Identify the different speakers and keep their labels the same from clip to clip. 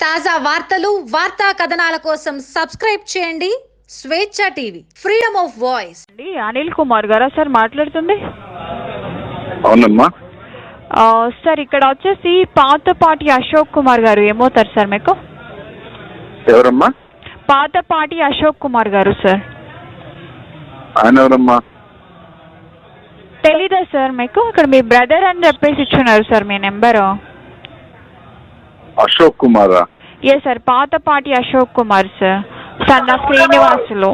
Speaker 1: తాజా వార్తలు, వార్తా కథనాల కోసం సబ్స్క్రైబ్ చేయండి Swechha TV, freedom of voice.
Speaker 2: Anil Kumar గారా సార్ మాట్లాడుతుంది?
Speaker 3: అవునమ్మా
Speaker 2: సార్ ఇక్కడ వచ్చేసి పాతపాటి అశోక్ కుమార్ గారు ఏమవుతారు సార్ మీకు?
Speaker 3: ఎవరమ్మా?
Speaker 2: పాతపాటి అశోక్ కుమార్ గారు సార్.
Speaker 3: ఆయన ఎవరమ్మా?
Speaker 2: తెలీదా సార్ మీకు? ఇక్కడ మీ బ్రదర్ అని చెప్పేసి ఇచ్చున్నారు సార్ మీ నెంబరు.
Speaker 3: అశోక్ కుమారా?
Speaker 2: ఏ సార్, పాతపాటి అశోక్ కుమార్ సార్, సన్న శ్రీనివాసులు.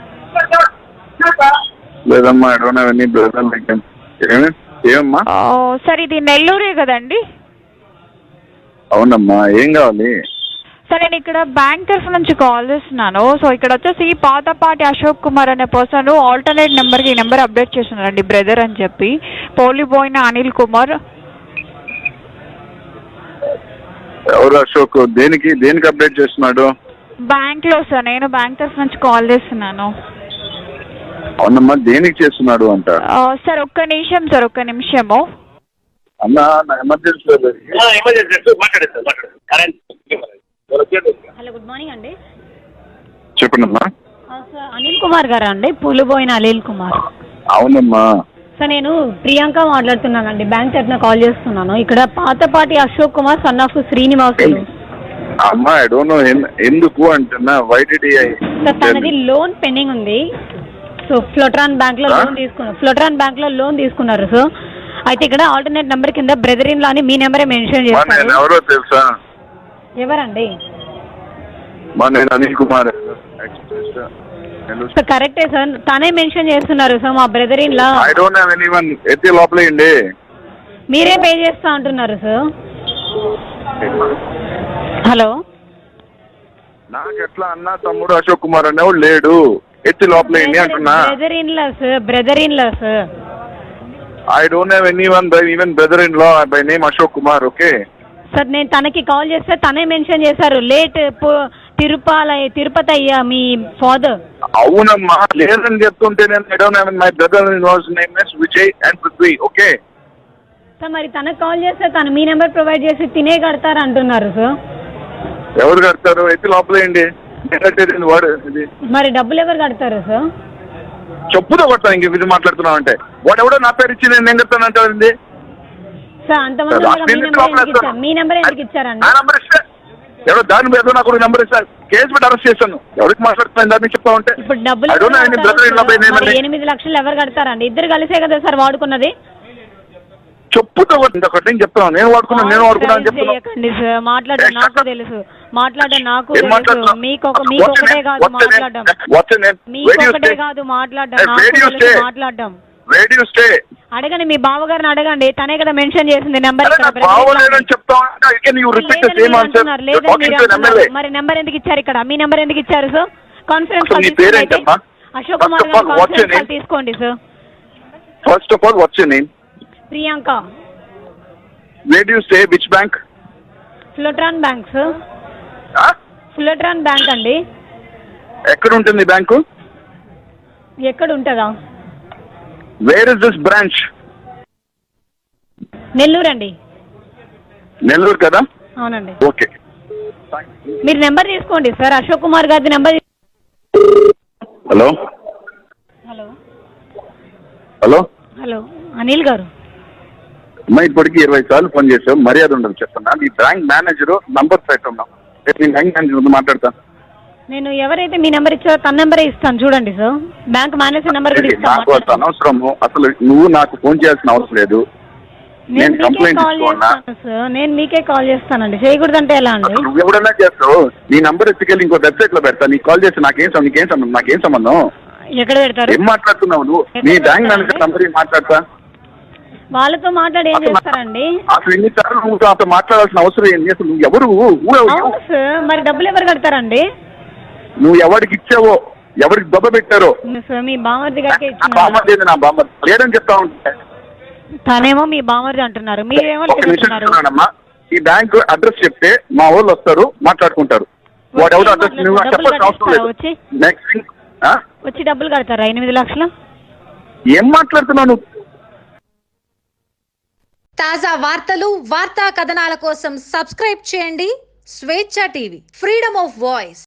Speaker 3: లేదమ్మా, I don't have any brother like him. ఏమమ్మా?
Speaker 2: సార్ ఇది నెల్లూరే కదండి?
Speaker 3: అవునమ్మా, ఏం కావాలి?
Speaker 2: సార్ నేను ఇక్కడ బ్యాంక్ తరఫు నుంచి కాల్ చేస్తున్నాను. సో ఇక్కడ వచ్చేసి పాతపాటి అశోక్ కుమార్ అనే పర్సన్ ఆల్టర్నేట్ నెంబర్కి ఈ నెంబర్ అప్డేట్ చేస్తున్నారండి, బ్రదర్ అని చెప్పి. పోలిపోయిన అనిల్ కుమార్.
Speaker 3: ఎవరు అశోక్? దేనికి అప్డేట్ చేస్తున్నాడు?
Speaker 2: బ్యాంక్ లో సార్, నేను బ్యాంక్ తరఫు నుంచి కాల్ చేస్తున్నాను.
Speaker 3: అవునమ్మా, దేనికి చేస్తున్నాడు అంట?
Speaker 2: సార్ ఒక్క నిమిషం సార్, ఒక్క నిమిషము.
Speaker 3: అన్నా, నా ఎమర్జెన్సీ.
Speaker 4: హలో, గుడ్ మార్నింగ్ అండి.
Speaker 3: చెప్పండమ్మా.
Speaker 4: సార్ అనిల్ కుమార్ గారా అండి? పూలుబోయిన అనిల్ కుమార్.
Speaker 3: అవునమ్మా.
Speaker 4: సార్ నేను ప్రియాంక మాట్లాడుతున్నానండి, బ్యాంక్ తరఫున కాల్ చేస్తున్నాను. ఇక్కడ పాతపాటి అశోక్ కుమార్ సన్ ఆఫ్ శ్రీనివాసులు.
Speaker 3: అమ్మా, ఐ డోంట్ నో ఎందుకు అంటున్నా. Why did he?
Speaker 4: సార్ తనది లోన్ పెండింగ్ ఉంది. సో ఫ్లోట్రాన్ బ్యాంక్ లో లోన్ తీసుకున్నారు. ఫ్లోట్రాన్ బ్యాంక్ లో లోన్ తీసుకున్నారు. సో అయితే ఇక్కడ ఆల్టర్నేట్ నెంబర్ కింద బ్రదర్ ఇన్ లా అని మీ నెంబరే మెన్షన్ చేస్తారు.
Speaker 3: ఎవరో తెలుసా?
Speaker 4: ఎవరండి?
Speaker 3: నేను అనిల్ కుమార్.
Speaker 4: సార్ కరెక్టే సార్, తనే మెన్షన్ చేస్తున్నారు సార్ మా brother in law.
Speaker 3: I don't have anyone. ఎత్తి లోపలేయండి.
Speaker 4: మీరే పే చేస్తా అంటున్నారు సార్. హలో,
Speaker 3: నాకు ఎట్లా అన్నా తమ్ముడు అశోక్ కుమార్ అనేవాడు లేడు. ఎత్తి లోపలేయండి అంటున్నా.
Speaker 4: Brother in law sir, brother in law sir.
Speaker 3: I don't have anyone by even brother in law by name Ashok Kumar. Okay
Speaker 4: sir, నేను తనకి కాల్ చేస్తే తనే మెన్షన్ చేశారు లేట్ తిరుపతి అయ్యా మీ ఫాదర్.
Speaker 3: అవునమ్మా, లేదని చెప్తుంటే నేను I don't have my brother in law's name is Vijay and Prithvi. Okay
Speaker 4: sir, మరి తనకు కాల్ చేస్తే తను మీ నెంబర్ ప్రొవైడ్ చేసి తినే కడతారు అంటున్నారు సార్.
Speaker 3: ఎవరు కడతారు? ఎత్తి లోపలేయండి. వాడు
Speaker 4: మరి డబ్బులు ఎవరు కడతారు సార్?
Speaker 3: చెప్పుతో కొడతాను. ఇంక ఇది మాట్లాడుతున్నావు అంటే వాడు ఎవడో నా పేరు ఇచ్చి నేను కడతాను అంటారండి
Speaker 4: సార్. అంతమంది మీ నెంబర్ ఎందుకు ఇచ్చారండి?
Speaker 3: ఎవరో దాని మీద నాకు నెంబర్ ఇస్తారు. కేసు పెట్టి అరెస్ట్ చేస్తాను. ఎవరికి మాట్లాడుతున్నాను దాన్ని చెప్తా ఉంటే.
Speaker 4: ఇప్పుడు డబ్బులు 8 లక్షలు ఎవరు కడతారండి? ఇద్దరు కలిసే కదా సార్ వాడుకున్నది.
Speaker 3: చెప్పుతో ఒకటి చెప్తాను. నేను వాడుకున్నాను చెప్తాను.
Speaker 4: మాట్లాడడం నాకు తెలుసు, మాట్లాడడం నాకు తెలుసు. మీకొకటే కాదు మాట్లాడడం, మీకొకటే కాదు మాట్లాడడం. అడగండి, మీ బావగారిని అడగండి, తనే కదా మెన్షన్ చేసింది నెంబర్. మరి నెంబర్ ఎందుకు ఇచ్చారు ఇక్కడ? మీ నెంబర్ ఎందుకు ఇచ్చారు sir? Conference call Ashok Kumar conference call తీసుకోండి sir.
Speaker 3: First of all what's your name?
Speaker 4: Priyanka.
Speaker 3: Where do you stay? Which bank?
Speaker 4: Flotron bank sir. Flotron bank అండి.
Speaker 3: ఎక్కడ ఉంటుంది బ్యాంకు?
Speaker 4: ఎక్కడ ఉంటుందా?
Speaker 3: Where is this branch?
Speaker 4: Nellore అండి.
Speaker 3: నెల్లూరు కదా?
Speaker 4: అవునండి.
Speaker 3: ఓకే,
Speaker 4: మీరు నెంబర్ తీసుకోండి సార్, అశోక్ కుమార్ గారి number.
Speaker 3: Hello
Speaker 4: hello
Speaker 3: hello
Speaker 4: hello Anil గారు.
Speaker 3: అమ్మా, ఇప్పటికి 20 సార్లు ఫోన్ చేసావు. మర్యాద ఉండదు చెప్తున్నా. నీ బ్యాంక్ మేనేజర్ నంబర్ సైట్ ఉన్నాం. నేను బ్యాంక్ మేనేజర్ మాట్లాడతా.
Speaker 4: నేను ఎవరైతే మీ నెంబర్ ఇచ్చారో తన నెంబరే ఇస్తాను చూడండి సార్. బ్యాంక్ మేనేజర్ నెంబర్
Speaker 3: నాకు అనవసరము. అసలు నువ్వు నాకు ఫోన్ చేయాల్సిన అవసరం లేదు. నేను కంప్లైంట్ ఇస్తున్నాను
Speaker 4: సార్. నేను మీకే కాల్ చేస్తానండి. చేయకూడదంటే ఎలా అండి?
Speaker 3: నువ్వు ఎవడన్నా చేస్తావు. నీ నంబర్ ఎత్తుకెళ్ళి ఇంకో వెబ్సైట్ లో పెడతా. నీకు కాల్ చేస్తే నాకేం సంబంధం?
Speaker 4: ఎక్కడ పెడతారు?
Speaker 3: ఏం మాట్లాడుతున్నావు నువ్వు? నీ బ్యాంక్ మేనేజర్ నంబర్ మాట్లాడతా.
Speaker 4: వాళ్ళతో మాట్లాడి ఏం చేస్తారండి?
Speaker 3: అసలు ఎన్నిసార్లు నువ్వు అతను మాట్లాడాల్సిన అవసరం ఏంటి? అసలు నువ్వు ఎవరు?
Speaker 4: సార్ మరి డబ్బులు ఎవరు కడతారండి?
Speaker 3: నువ్వు ఎవరికి ఇచ్చావో, ఎవరికి దెబ్బ పెట్టారో.
Speaker 4: మీ బామర్ది గారికి
Speaker 3: బామర్ది నా బామర్ది లేదని చెప్తా ఉంటే
Speaker 4: తనేమో మీ బామర్ది అంటున్నారు, మీరేమో
Speaker 3: లేదమ్మా. ఈ బ్యాంక్ అడ్రస్ చెప్తే మా వాళ్ళు వస్తారు, మాట్లాడుకుంటారు. వాడు ఎవరు అడ్రస్ నువ్వు చెప్పాల్సిన అవసరం లేదు.
Speaker 4: వచ్చి డబ్బులు కడతారా 8 లక్షలు?
Speaker 3: ఏం మాట్లాడుతున్నావు నువ్వు?
Speaker 1: తాజా వార్తలు, వార్తా కథనాల కోసం సబ్స్క్రైబ్ చేయండి Swechha TV, freedom of voice.